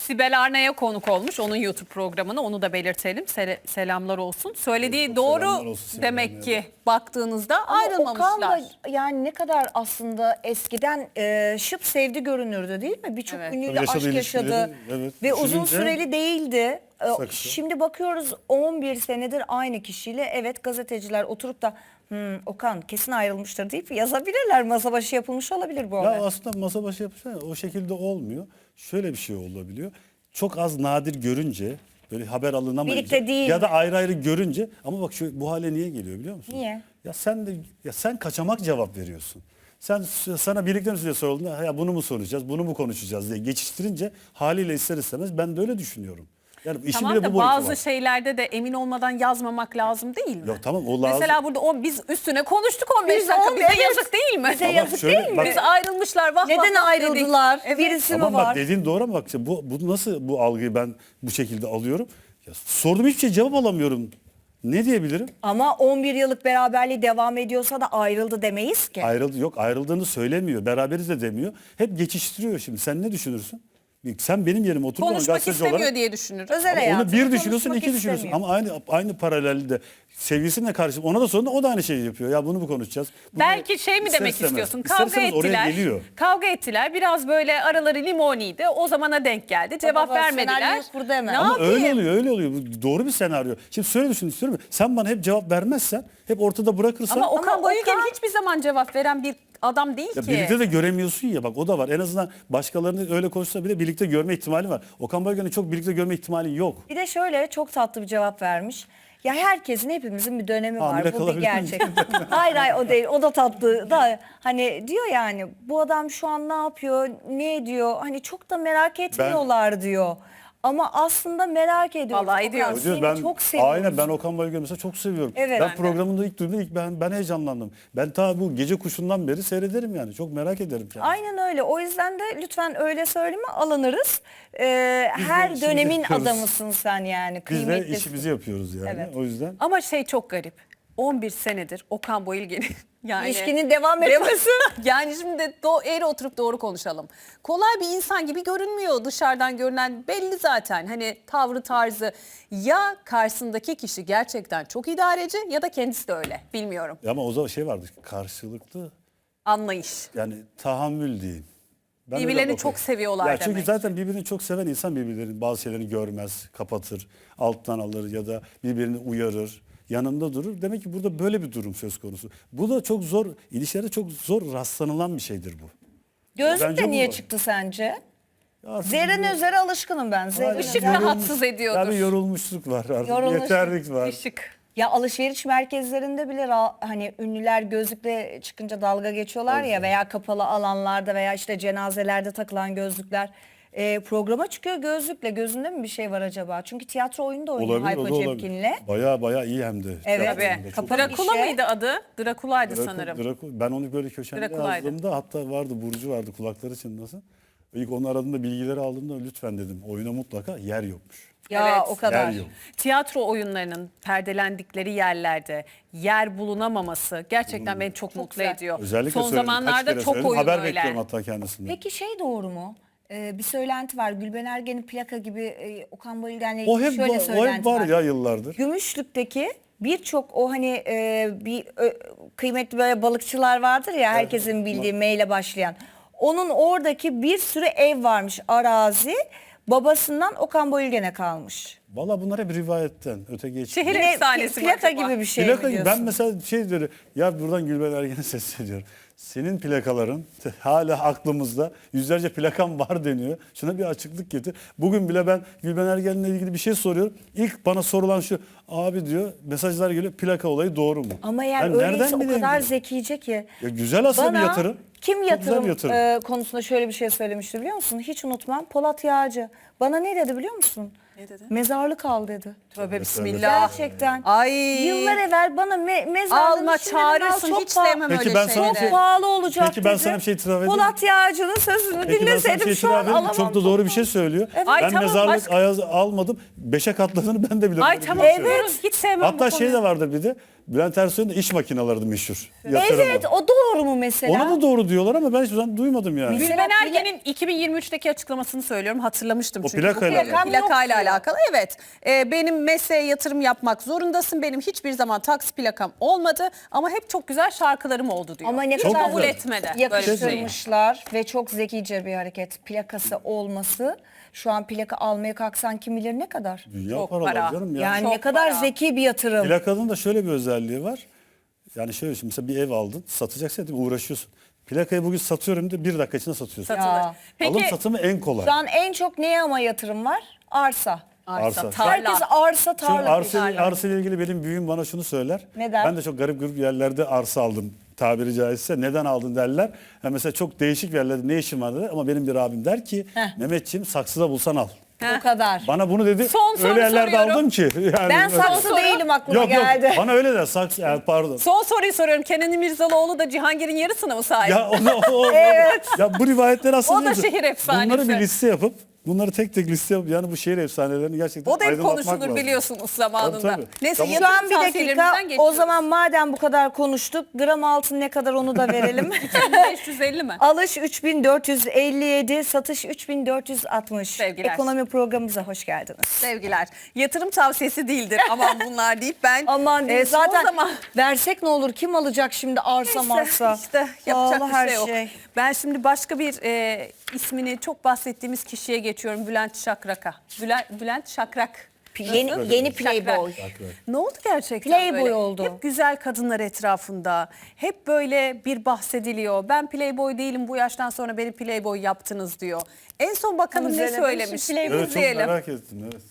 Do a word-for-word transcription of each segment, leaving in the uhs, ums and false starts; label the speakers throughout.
Speaker 1: Sibel Arna'ya konuk olmuş. Onun YouTube programını, onu da belirtelim. Sel selamlar olsun. Söylediği
Speaker 2: Çok
Speaker 1: doğru
Speaker 2: selamlar olsun Sibel
Speaker 1: demek
Speaker 2: Arna'ya
Speaker 1: ki baktığınızda
Speaker 3: Ama
Speaker 1: ayrılmamışlar.
Speaker 3: Okan da yani ne kadar aslında eskiden e, şıp sevdi görünürdü değil mi? Birçok
Speaker 1: Evet.
Speaker 3: ünlüyle
Speaker 2: Tabii yaşadığı
Speaker 3: aşk yaşadı
Speaker 2: ilişkileri, evet,
Speaker 3: ve uzun
Speaker 2: düşününce-
Speaker 3: süreli değildi. E,
Speaker 2: Saksı.
Speaker 3: Şimdi bakıyoruz on bir senedir aynı kişiyle, evet, gazeteciler oturup da hmm, Okan kesin ayrılmıştır deyip yazabilirler. Masa başı yapılmış olabilir bu
Speaker 2: Ya
Speaker 3: olay.
Speaker 2: aslında masa başı yapmışlar o şekilde olmuyor. Şöyle bir şey olabiliyor. Çok az nadir görünce böyle haber alınamayınca
Speaker 3: Birlikte değil
Speaker 2: ya da
Speaker 3: mi?
Speaker 2: ayrı ayrı görünce ama bak şu bu hale niye geliyor biliyor musun?
Speaker 3: Niye?
Speaker 2: Ya sen de ya sen kaçamak cevap veriyorsun. Sen sana birlikte mi size sorulduğunda ya bunu mu soracağız, bunu mu konuşacağız diye geçiştirince haliyle ister istemez ben de öyle düşünüyorum. Yani işin
Speaker 1: Tamam
Speaker 2: bile
Speaker 1: da
Speaker 2: bu boyutu
Speaker 1: bazı
Speaker 2: var.
Speaker 1: şeylerde de emin olmadan yazmamak lazım değil mi?
Speaker 2: Yok tamam, o lazım.
Speaker 1: Mesela burada o, biz üstüne konuştuk on beş
Speaker 3: Biz
Speaker 1: dakika.
Speaker 3: on-
Speaker 1: Bize
Speaker 3: evet.
Speaker 1: yazık değil mi?
Speaker 3: Bize
Speaker 2: Ama
Speaker 3: yazık
Speaker 2: şöyle,
Speaker 3: değil mi?
Speaker 2: bak-
Speaker 1: Biz ayrılmışlar. Vah
Speaker 3: Neden
Speaker 1: vah vah
Speaker 3: ayrıldılar?
Speaker 1: dedik. Evet.
Speaker 3: Birisi
Speaker 2: Tamam
Speaker 3: mi
Speaker 2: bak
Speaker 3: var?
Speaker 2: dediğin doğru ama bak işte bu, bu nasıl bu algıyı ben bu şekilde alıyorum? Ya sordum hiçbir şey cevap alamıyorum. Ne diyebilirim?
Speaker 3: Ama on bir yıllık beraberliği devam ediyorsa da ayrıldı demeyiz ki.
Speaker 2: Ayrıldı yok ayrıldığını söylemiyor. Beraberiz de demiyor. Hep geçiştiriyor şimdi. Sen ne düşünürsün? Sen benim yerime otur bana
Speaker 1: Konuşmak
Speaker 2: gazeteci
Speaker 1: istemiyor
Speaker 2: olarak.
Speaker 1: diye düşünür.
Speaker 3: Özel
Speaker 2: Ama
Speaker 3: hayatını
Speaker 2: onu bir düşünüyorsun,
Speaker 3: konuşmak
Speaker 2: iki düşünüyorsun.
Speaker 3: istemiyor.
Speaker 2: Ama aynı aynı paralelde sevgilisine karşı ona da sonra o da aynı şeyi yapıyor. Ya bunu mu konuşacağız? Bunu
Speaker 1: Belki şey mi
Speaker 2: ister
Speaker 1: demek
Speaker 2: istemez.
Speaker 1: istiyorsun?
Speaker 2: İster
Speaker 1: Kavga
Speaker 2: istemez oraya
Speaker 1: ettiler.
Speaker 2: geliyor.
Speaker 1: Kavga ettiler. Biraz böyle araları limoniydi. O zamana denk geldi. Cevap
Speaker 3: baba,
Speaker 1: vermediler.
Speaker 3: senaryoyu kurdu hemen.
Speaker 1: Ne
Speaker 3: Ama
Speaker 2: Ama
Speaker 1: yapayım?
Speaker 2: öyle oluyor, öyle oluyor. Bu doğru bir senaryo. Şimdi şöyle düşün istiyorum. Sen bana hep cevap vermezsen, hep ortada bırakırsan.
Speaker 1: Ama Okan
Speaker 3: Ama
Speaker 1: Bayülgen
Speaker 3: Okan-
Speaker 1: hiçbir zaman cevap veren bir adam değil
Speaker 2: Ya
Speaker 1: ki.
Speaker 2: birlikte de göremiyorsun ya, bak o da var. En azından başkalarını öyle konuşsa bile birlikte görme ihtimali var. Okan Bayülgen'i çok birlikte görme ihtimali yok.
Speaker 3: Bir de şöyle çok tatlı bir cevap vermiş. Ya herkesin, hepimizin bir dönemi
Speaker 2: Hamile
Speaker 3: var. Bu bir
Speaker 2: kalabilir
Speaker 3: gerçek. Hayır hayır, o değil. O da tatlı da hani diyor yani bu adam şu an ne yapıyor, ne ediyor? Hani çok da merak etmiyorlar diyor. Ama aslında merak ediyoruz.
Speaker 1: Vallahi
Speaker 3: Okan,
Speaker 1: ediyoruz.
Speaker 3: seni
Speaker 2: ben
Speaker 3: çok seviyoruz.
Speaker 2: aynen ben Okan Bayülgen'i mesela çok seviyorum.
Speaker 3: Evet.
Speaker 2: Ben
Speaker 3: Ben de.
Speaker 2: programında ilk duyduğumda ilk ben ben heyecanlandım. Ben ta bu Gece Kuşu'ndan beri seyrederim yani. Çok merak ederim kendisini.
Speaker 3: Aynen öyle. O yüzden de lütfen öyle söyleme, alınırız. Ee,
Speaker 2: Biz de
Speaker 3: her
Speaker 2: işimizi
Speaker 3: dönemin
Speaker 2: yapıyoruz.
Speaker 3: adamısın sen yani.
Speaker 2: Biz de
Speaker 3: Kıymetlisin.
Speaker 2: işimizi yapıyoruz yani.
Speaker 3: Evet.
Speaker 2: O yüzden
Speaker 1: Ama şey çok garip. on bir senedir Okan Bayülgen'in yani
Speaker 3: İlişkinin devam etmesi.
Speaker 1: yani şimdi do eğri oturup doğru konuşalım. Kolay bir insan gibi görünmüyor dışarıdan görünen, belli zaten. Hani tavrı tarzı, ya karşısındaki kişi gerçekten çok idareci ya da kendisi de öyle, bilmiyorum.
Speaker 2: ama o zaman şey vardı, karşılıklı
Speaker 1: Anlayış.
Speaker 2: yani tahammül diyeyim. Ben öyle
Speaker 1: Birbirlerini
Speaker 2: bakıyorum.
Speaker 1: çok seviyorlar
Speaker 2: ya çünkü
Speaker 1: demek.
Speaker 2: zaten birbirini çok seven insan birbirlerinin bazı şeylerini görmez, kapatır, alttan alır ya da birbirini uyarır, yanında durur. Demek ki burada böyle bir durum söz konusu. Bu da çok zor, ilişkilerde çok zor rastlanılan bir şeydir bu.
Speaker 3: Gözlük
Speaker 2: Bence
Speaker 3: de
Speaker 2: bu
Speaker 3: niye
Speaker 2: var.
Speaker 3: çıktı sence?
Speaker 2: Ya artık
Speaker 3: Zerrin
Speaker 2: bir-
Speaker 3: Özer'e alışkınım ben. Zerrin
Speaker 1: Işık
Speaker 3: Özer.
Speaker 1: rahatsız ediyordur.
Speaker 2: Ya bir yorulmuşluk var artık,
Speaker 3: Yorulmuşluk,
Speaker 2: yeterlik var.
Speaker 1: Işık.
Speaker 3: Ya alışveriş merkezlerinde bile ra- hani ünlüler gözlükle çıkınca dalga geçiyorlar ya, veya kapalı alanlarda veya işte cenazelerde takılan gözlükler. Ee, programa çıkıyor gözlükle. Gözünde mi bir şey var acaba? Çünkü tiyatro oyunu da oynuyor
Speaker 2: Olabilir, o
Speaker 3: Hayko
Speaker 2: da olabilir.
Speaker 3: Cepkin'le.
Speaker 2: Baya baya iyi hem de.
Speaker 3: Evet.
Speaker 2: Tiyatrosunda
Speaker 1: Tabii.
Speaker 2: çok
Speaker 3: Kapalı
Speaker 2: iyi.
Speaker 1: Drakula
Speaker 3: işe-
Speaker 1: mıydı adı? Drakula'ydı
Speaker 2: Draku-
Speaker 1: sanırım.
Speaker 2: Draku- ben onu böyle köşemde
Speaker 1: Drakula'ydı.
Speaker 2: yazdığımda, hatta vardı Burcu vardı kulakları çınlasın. İlk onu aradığımda, bilgileri aldığımda lütfen dedim oyuna mutlaka yer yokmuş.
Speaker 3: Ya
Speaker 1: Evet.
Speaker 3: o kadar.
Speaker 2: Yer yok.
Speaker 1: Tiyatro oyunlarının perdelendikleri yerlerde yer bulunamaması gerçekten beni çok, mutlu
Speaker 3: güzel.
Speaker 1: ediyor.
Speaker 2: Özellikle
Speaker 1: Son
Speaker 2: söyledim, kaç
Speaker 1: zamanlarda
Speaker 2: kere
Speaker 1: çok
Speaker 2: söyledim.
Speaker 1: oyun
Speaker 2: Haber
Speaker 1: öyle.
Speaker 2: bekliyorum hatta kendisinden.
Speaker 3: Peki şey doğru mu? Ee, bir söylenti var. Gülben Ergen'in plaka gibi e, Okan Bayülgen'le
Speaker 2: O
Speaker 3: ilgili
Speaker 2: hep,
Speaker 3: şöyle
Speaker 2: va- o
Speaker 3: söylenti
Speaker 2: hep var
Speaker 3: var.
Speaker 2: ya yıllardır.
Speaker 3: Gümüşlük'teki birçok o hani e, bir ö, kıymetli böyle balıkçılar vardır ya, herkesin bildiği M ile başlayan. Onun oradaki bir sürü ev varmış, arazi. Babasından Okan Bayülgen'e kalmış.
Speaker 2: Valla bunlar hep rivayetten öte geçti.
Speaker 1: Şehir
Speaker 3: Yine
Speaker 1: efsanesi mi
Speaker 3: plaka
Speaker 1: acaba?
Speaker 3: gibi bir şey
Speaker 2: Plaka
Speaker 3: mi
Speaker 2: gibi.
Speaker 3: diyorsun?
Speaker 2: Ben mesela şey diyorum ya, buradan Gülben Ergen'e sesleniyorum. Senin plakaların hala aklımızda, yüzlerce plakam var deniyor. Şuna bir açıklık getir. Bugün bile ben Gülben Ergen'le ilgili bir şey soruyorum. İlk bana sorulan şu, abi diyor, mesajlar geliyor, plaka olayı doğru mu?
Speaker 3: Ama eğer
Speaker 2: Ben
Speaker 3: öyleyse o
Speaker 2: bileyim
Speaker 3: kadar
Speaker 2: diyor.
Speaker 3: zekice ki.
Speaker 2: Ya güzel aslında
Speaker 3: Bana
Speaker 2: bir yatırım.
Speaker 3: kim
Speaker 2: Çok güzel
Speaker 3: yatırım,
Speaker 2: bir yatırım.
Speaker 3: e, konusunda şöyle bir şey söylemişti biliyor musun? Hiç unutmam. Polat Yağcı. Bana ne dedi biliyor musun?
Speaker 1: Ne dedi?
Speaker 3: Mezarlık al dedi.
Speaker 1: Tövbe bismillah.
Speaker 3: Gerçekten.
Speaker 1: Ay.
Speaker 3: Yıllar evvel bana me mezarlığın
Speaker 1: Alma
Speaker 3: içinden al,
Speaker 1: çağırırsın
Speaker 3: çok
Speaker 1: hiç
Speaker 3: pahalı-
Speaker 1: sevmem
Speaker 2: Peki
Speaker 1: öyle
Speaker 2: ben sana
Speaker 1: şeyleri.
Speaker 2: bir şey-
Speaker 3: Çok pahalı olacak
Speaker 2: Peki ben
Speaker 3: dedi.
Speaker 2: sana bir şey itiraf edeyim mi?
Speaker 3: Polat Yağcı'nın sözünü
Speaker 2: Peki ben sana bir
Speaker 3: dinleseydim
Speaker 2: şey
Speaker 3: şu
Speaker 2: itiraf
Speaker 3: an
Speaker 2: edeyim mi?
Speaker 3: alamam.
Speaker 2: Çok da doğru bir şey söylüyor.
Speaker 1: Ay,
Speaker 2: Ben
Speaker 1: tamam,
Speaker 2: mezarlık
Speaker 1: başka-
Speaker 2: ayaz almadım. Beşe katladığını ben de biliyorum.
Speaker 1: Ay
Speaker 2: Öyle bir
Speaker 1: tamam.
Speaker 2: şey söylüyor.
Speaker 1: Evet. Hiç sevmem
Speaker 2: Hatta
Speaker 1: bu
Speaker 2: şey
Speaker 1: konuyu.
Speaker 2: de vardır bir de. Bülent Ersoy'un da iş makineleri meşhur. Yatırımı.
Speaker 3: Evet, o doğru mu mesela?
Speaker 2: Ona da doğru diyorlar ama ben hiçbir zaman duymadım yani.
Speaker 3: Mesela
Speaker 1: Gülben
Speaker 3: plak-
Speaker 1: Ergen'in iki bin yirmi üçteki açıklamasını söylüyorum. Hatırlamıştım
Speaker 2: O
Speaker 1: çünkü.
Speaker 2: plakayla
Speaker 1: Bu
Speaker 3: alakalı.
Speaker 1: plakayla
Speaker 3: Yok diyor.
Speaker 1: alakalı. Evet. Ee, benim mesleğe yatırım yapmak zorundasın. Benim hiçbir zaman taksi plakam olmadı ama hep çok güzel şarkılarım oldu diyor.
Speaker 3: Ama ne
Speaker 1: Hiç
Speaker 3: kadar
Speaker 1: kabul etmedi böyle bir şeyi.
Speaker 3: yakıştırmışlar ve çok zekice bir hareket. Plakası olması. Şu an plaka almaya kalksan kim bilir ne kadar.
Speaker 2: Dünya
Speaker 1: Çok
Speaker 2: paralar
Speaker 1: para.
Speaker 2: canım ya.
Speaker 3: Yani
Speaker 1: Çok
Speaker 3: ne kadar
Speaker 1: para.
Speaker 3: zeki bir yatırım.
Speaker 2: Plakanın da şöyle bir özelliği var. Yani şöyle şimdi mesela bir ev aldın, satacaksın değil mi? Uğraşıyorsun. Plakayı bugün satıyorum de bir dakika içinde satıyorsun.
Speaker 1: Satılır.
Speaker 3: Ya.
Speaker 1: Peki
Speaker 2: Alım satımı en kolay.
Speaker 3: Şu an en çok neye ama yatırım var? Arsa.
Speaker 1: arsa,
Speaker 2: Arsa.
Speaker 1: tarla.
Speaker 3: Herkes arsa
Speaker 2: Şimdi
Speaker 3: tarla.
Speaker 2: arsa,
Speaker 3: peşinde.
Speaker 2: arsa ile ilgili benim büyüğüm bana şunu söyler.
Speaker 3: Neden?
Speaker 2: Ben de çok garip garip yerlerde arsa aldım tabiri caizse. Neden aldın derler. Ha mesela çok değişik yerlerde ne işin var der ama benim bir abim der ki
Speaker 3: Heh.
Speaker 2: Mehmetciğim saksıda bulsan al.
Speaker 3: Bu kadar.
Speaker 2: Bana bunu dedi.
Speaker 1: Son soru
Speaker 2: öyle yerlerde
Speaker 1: soruyorum.
Speaker 2: aldım ki. Yani
Speaker 3: Ben saksı
Speaker 1: soru-
Speaker 3: değilim aklıma
Speaker 2: Yok
Speaker 3: geldi.
Speaker 2: yok bana öyle der saksı yani pardon.
Speaker 1: Son soruyu soruyorum. Kenan İmirzalıoğlu da Cihangir'in yarısına mı sahip?
Speaker 2: Ya onu o, ya bu rivayetler aslında
Speaker 1: O da
Speaker 2: neydi?
Speaker 1: şehir efsanesi.
Speaker 2: Bunları bir liste yapıp bunları tek tek liste yapıp yani bu şehir efsanelerini gerçekten
Speaker 1: O da hep
Speaker 2: aydınlatmak
Speaker 1: konuşulur
Speaker 2: lazım.
Speaker 1: biliyorsunuz zamanında.
Speaker 2: Tabii, tabii.
Speaker 1: Neyse
Speaker 2: Tamam.
Speaker 3: Şu
Speaker 1: yatırım
Speaker 3: an bir dakika
Speaker 1: tavsiyelerimizden
Speaker 3: o
Speaker 1: geçiyoruz.
Speaker 3: zaman madem bu kadar konuştuk gram altın ne kadar onu da verelim.
Speaker 1: beş yüz elli mi?
Speaker 3: Alış üç bin dört yüz elli yedi, satış üç bin dört yüz altmış.
Speaker 1: Sevgiler.
Speaker 3: Ekonomi programımıza hoş geldiniz.
Speaker 1: Sevgiler. Yatırım tavsiyesi değildir. Aman bunlar deyip ben
Speaker 3: Aman
Speaker 1: e,
Speaker 3: değil,
Speaker 1: son
Speaker 3: zaten
Speaker 1: zaman
Speaker 3: versek ne olur, kim alacak şimdi arsa
Speaker 1: Neyse,
Speaker 3: marsa?
Speaker 1: işte yapacak
Speaker 3: Pahalı
Speaker 1: bir
Speaker 3: her
Speaker 1: şey yok.
Speaker 3: şey.
Speaker 1: Ben şimdi başka bir e, ismini çok bahsettiğimiz kişiye geçiyorum. Bülent Şakrak'a. Bülent, Bülent Şakrak.
Speaker 3: Yeni,
Speaker 1: Nasıl?
Speaker 3: yeni
Speaker 1: Şakrak.
Speaker 3: Playboy.
Speaker 1: Ne oldu gerçekten
Speaker 3: Playboy
Speaker 1: böyle?
Speaker 3: oldu.
Speaker 1: Hep güzel kadınlar etrafında. Hep böyle bir bahsediliyor. Ben Playboy değilim, bu yaştan sonra beni Playboy yaptınız diyor. En son bakalım ne
Speaker 3: Güzel,
Speaker 1: söylemiş.
Speaker 3: Playboy.
Speaker 2: Evet çok
Speaker 1: İzleyelim.
Speaker 2: merak ettim evet.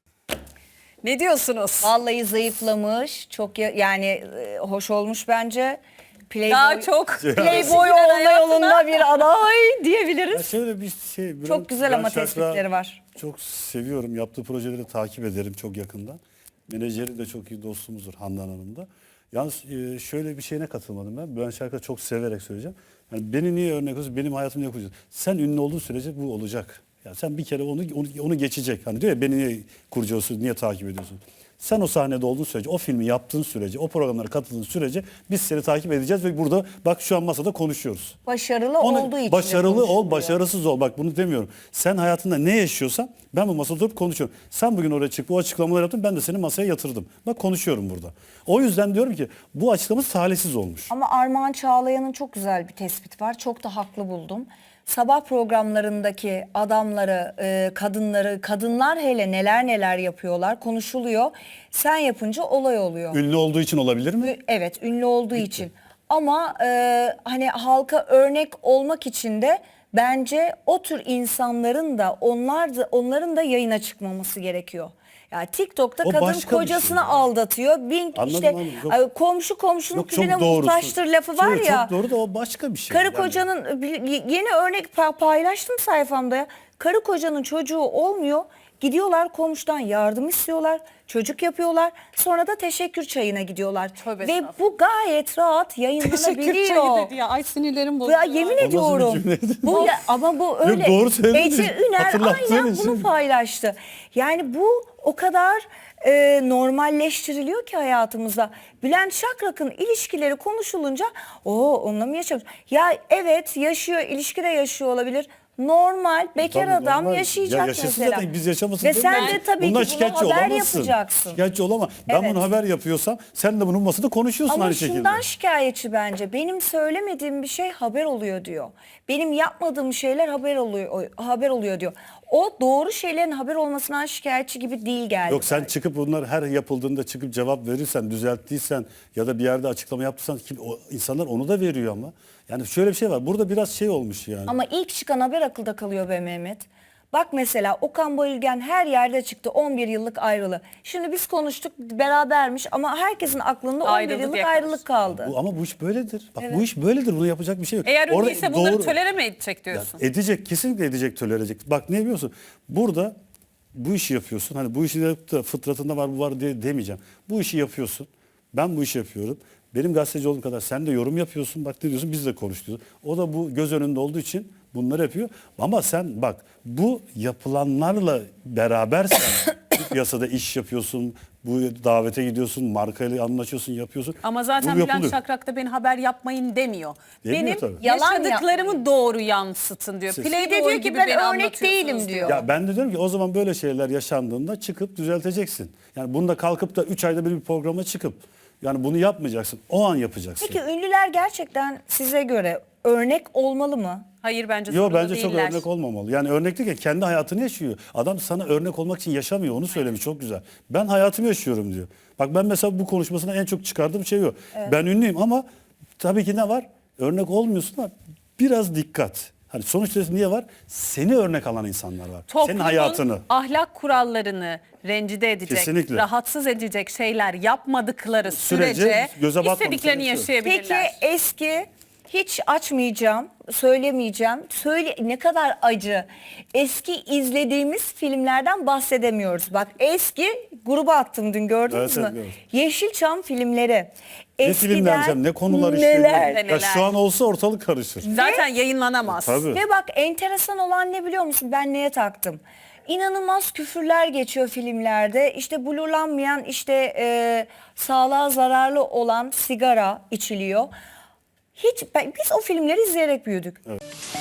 Speaker 1: Ne diyorsunuz?
Speaker 3: Vallahi zayıflamış. Çok ya- yani e, hoş olmuş bence. Playboy,
Speaker 1: Daha çok
Speaker 3: Playboy olma yolunda bir aday
Speaker 2: Ya
Speaker 3: diyebiliriz.
Speaker 2: şöyle bir şey. Bülent-
Speaker 3: Çok güzel ama
Speaker 2: Bülent Şakrak'ı
Speaker 3: tespitleri var.
Speaker 2: Çok seviyorum. Yaptığı projeleri takip ederim çok yakından. Menajeri de çok iyi dostumuzdur Handan Hanım da. Yalnız e, şöyle bir şeyine katılmadım ben. Bülent Şakrak'ı çok severek söyleyeceğim. Yani beni niye örnek alıyorsun? Benim hayatımı niye kuracaksın? Sen ünlü olduğun sürece bu olacak. Yani sen bir kere onu onu, onu geçecek. Hani diyor ya beni niye kurcalıyorsun, niye takip ediyorsun? Sen o sahnede olduğun sürece, o filmi yaptığın sürece, o programlara katıldığın sürece biz seni takip edeceğiz ve burada bak şu an masada konuşuyoruz.
Speaker 3: Başarılı
Speaker 2: Onu-
Speaker 3: olduğu için. de
Speaker 2: başarılı ol,
Speaker 3: konuşuluyor.
Speaker 2: başarısız ol. Bak bunu demiyorum. Sen hayatında ne yaşıyorsan ben bu masada oturup konuşuyorum. Sen bugün oraya çık, bu açıklamaları yaptın, ben de seni masaya yatırdım. Bak konuşuyorum burada. O yüzden diyorum ki bu açıklama talihsiz olmuş.
Speaker 3: Ama Armağan Çağlayan'ın çok güzel bir tespit var. Çok da haklı buldum. Sabah programlarındaki adamları, e, kadınları, kadınlar hele neler neler yapıyorlar, konuşuluyor. Sen yapınca olay oluyor.
Speaker 2: Ünlü olduğu için olabilir mi?
Speaker 3: Ü- Evet, ünlü olduğu için. Ama e, hani halka örnek olmak için de bence o tür insanların da onlar da onların da yayına çıkmaması gerekiyor. Yani TikTok'ta
Speaker 2: O
Speaker 3: kadın
Speaker 2: başka bir
Speaker 3: kocasını
Speaker 2: şey ya.
Speaker 3: aldatıyor. Bin
Speaker 2: Anladım,
Speaker 3: işte
Speaker 2: anladım. Yok.
Speaker 3: ay, komşu komşunun
Speaker 2: Yok
Speaker 3: külüne
Speaker 2: çok doğrusu.
Speaker 3: muhtaçtır lafı var
Speaker 2: Çok-
Speaker 3: ya.
Speaker 2: Çok doğru da o başka bir şey.
Speaker 3: Karı
Speaker 2: Yani.
Speaker 3: kocanın bir- yeni örnek pa- paylaştım sayfamda ya. Karı kocanın çocuğu olmuyor. Gidiyorlar komşudan yardım istiyorlar. Çocuk yapıyorlar. Sonra da teşekkür çayına gidiyorlar.
Speaker 1: Tövbe
Speaker 3: Ve bu gayet rahat yayınlanabiliyor.
Speaker 1: ya. Ay sinirlerim bozuldu.
Speaker 3: Ya yemin
Speaker 2: nasıl bir
Speaker 3: ediyorum.
Speaker 2: cümleydi?
Speaker 3: Bu ya, ama bu öyle.
Speaker 2: doğru söyledin.
Speaker 3: Ece Üner
Speaker 2: Hatırlattığın
Speaker 3: aynen
Speaker 2: için.
Speaker 3: bunu paylaştı. Yani bu o kadar e, normalleştiriliyor ki hayatımızda. Bülent Şakrak'ın ilişkileri konuşulunca o onunla mı yaşamış? Ya evet yaşıyor, ilişkide yaşıyor olabilir. Normal bekar
Speaker 2: Tabii,
Speaker 3: adam
Speaker 2: normal.
Speaker 3: yaşayacak
Speaker 2: Ya yaşasın
Speaker 3: mesela.
Speaker 2: zaten biz yaşamasın
Speaker 3: Ve
Speaker 2: demiyorum.
Speaker 3: sen de tabii
Speaker 2: Bundan
Speaker 3: ki bunu
Speaker 2: şikayetçi
Speaker 3: haber
Speaker 2: olamazsın.
Speaker 3: yapacaksın.
Speaker 2: Şikayetçi olama. Ben
Speaker 3: Evet.
Speaker 2: bunu haber yapıyorsam sen de bunun masada konuşuyorsun
Speaker 3: Ama
Speaker 2: aynı şekilde.
Speaker 3: şundan şikayetçi bence. Benim söylemediğim bir şey haber oluyor diyor. Benim yapmadığım şeyler haber oluyor haber oluyor diyor. O doğru şeylerin haber olmasından şikayetçi gibi değil geldi.
Speaker 2: Yok sen
Speaker 3: bence.
Speaker 2: çıkıp bunlar her yapıldığında çıkıp cevap verirsen, düzelttiysen ya da bir yerde açıklama yaptıysan kim, o, insanlar onu da veriyor ama. Yani şöyle bir şey var. Burada biraz şey olmuş yani.
Speaker 3: Ama ilk çıkan haber akılda kalıyor be Mehmet. Bak mesela Okan Bayülgen her yerde çıktı, on bir yıllık ayrılı. Şimdi biz konuştuk berabermiş ama herkesin aklında on bir
Speaker 1: Ayrıldı
Speaker 3: yıllık
Speaker 1: diye
Speaker 3: ayrılık kaldı.
Speaker 2: Bu, ama bu iş böyledir. Bak bu iş böyledir. Bunu yapacak bir şey yok.
Speaker 1: Eğer
Speaker 2: Orada
Speaker 1: ünlüyse bunları
Speaker 2: doğru-
Speaker 1: tolere mi edecek
Speaker 2: Ya
Speaker 1: diyorsun?
Speaker 2: edecek, kesinlikle edecek, tolere edecek. Bak ne biliyorsun? Burada bu işi yapıyorsun. Hani bu işi yapıp da fıtratında var bu var diye demeyeceğim. Bu işi yapıyorsun. Ben bu işi yapıyorum. Benim gazeteci olduğum kadar sen de yorum yapıyorsun. Bak ne diyorsun biz de konuşuyoruz. O da bu göz önünde olduğu için bunları yapıyor. Ama sen bak bu yapılanlarla berabersen bu piyasada iş yapıyorsun. Bu davete gidiyorsun. Markayla anlaşıyorsun yapıyorsun.
Speaker 1: Ama zaten
Speaker 2: Bu
Speaker 1: Bülent
Speaker 2: yapılıyor.
Speaker 1: Şakrak da beni haber yapmayın demiyor.
Speaker 2: Demiyor
Speaker 1: Benim
Speaker 2: tabii.
Speaker 3: Yalan
Speaker 1: yaşadıklarımı doğru yansıtın diyor.
Speaker 2: Siz-
Speaker 3: Bir de
Speaker 1: Playboy
Speaker 3: diyor ki
Speaker 1: gibi
Speaker 3: ben
Speaker 1: beni
Speaker 3: örnek
Speaker 1: anlatıyorsunuz
Speaker 3: değilim diyor.
Speaker 2: Ya ben de diyorum ki o zaman böyle şeyler yaşandığında çıkıp düzelteceksin. Yani bunu da kalkıp da üç ayda bir, bir programa çıkıp yani bunu yapmayacaksın. O an yapacaksın.
Speaker 3: Peki ünlüler gerçekten size göre örnek olmalı mı?
Speaker 1: Hayır bence
Speaker 2: Yo
Speaker 1: zorunda
Speaker 2: bence çok
Speaker 1: değiller.
Speaker 2: örnek olmamalı. Yani örnek değil ki kendi hayatını yaşıyor. Adam sana örnek olmak için yaşamıyor. Onu söylemiş çok güzel. Ben hayatımı yaşıyorum diyor. Bak ben mesela bu konuşmasına en çok çıkardığım şey o. Ben ünlüyüm ama tabii ki ne var? Örnek olmuyorsun ama biraz dikkat. Hani sonuçta niye var? Seni örnek alan insanlar var. Senin
Speaker 1: Toplumun
Speaker 2: hayatını.
Speaker 1: ahlak kurallarını rencide edecek,
Speaker 2: Kesinlikle.
Speaker 1: rahatsız edecek şeyler yapmadıkları
Speaker 2: Sürece
Speaker 1: sürece
Speaker 2: göze batmamış
Speaker 1: istediklerini
Speaker 2: sürece.
Speaker 1: yaşayabilirler.
Speaker 3: Peki eski hiç açmayacağım, söylemeyeceğim. Söyle ne kadar acı. Eski izlediğimiz filmlerden bahsedemiyoruz. Bak eski gruba attım dün gördünüz
Speaker 2: Evet,
Speaker 3: mü?
Speaker 2: evet, gördüm.
Speaker 3: Yeşilçam filmleri.
Speaker 2: Ne filmler canım, ne konular işleniyor.
Speaker 3: neler.
Speaker 1: Neler.
Speaker 2: Ya şu an olsa ortalık karışır.
Speaker 1: Zaten yayınlanamaz.
Speaker 2: Tabii.
Speaker 3: Ve bak enteresan olan ne biliyor musun? Ben neye taktım? İnanılmaz küfürler geçiyor filmlerde. İşte blurlanmayan, işte e, sağlığa zararlı olan sigara içiliyor. Hiç ben- biz o filmleri izleyerek büyüdük.
Speaker 2: Evet.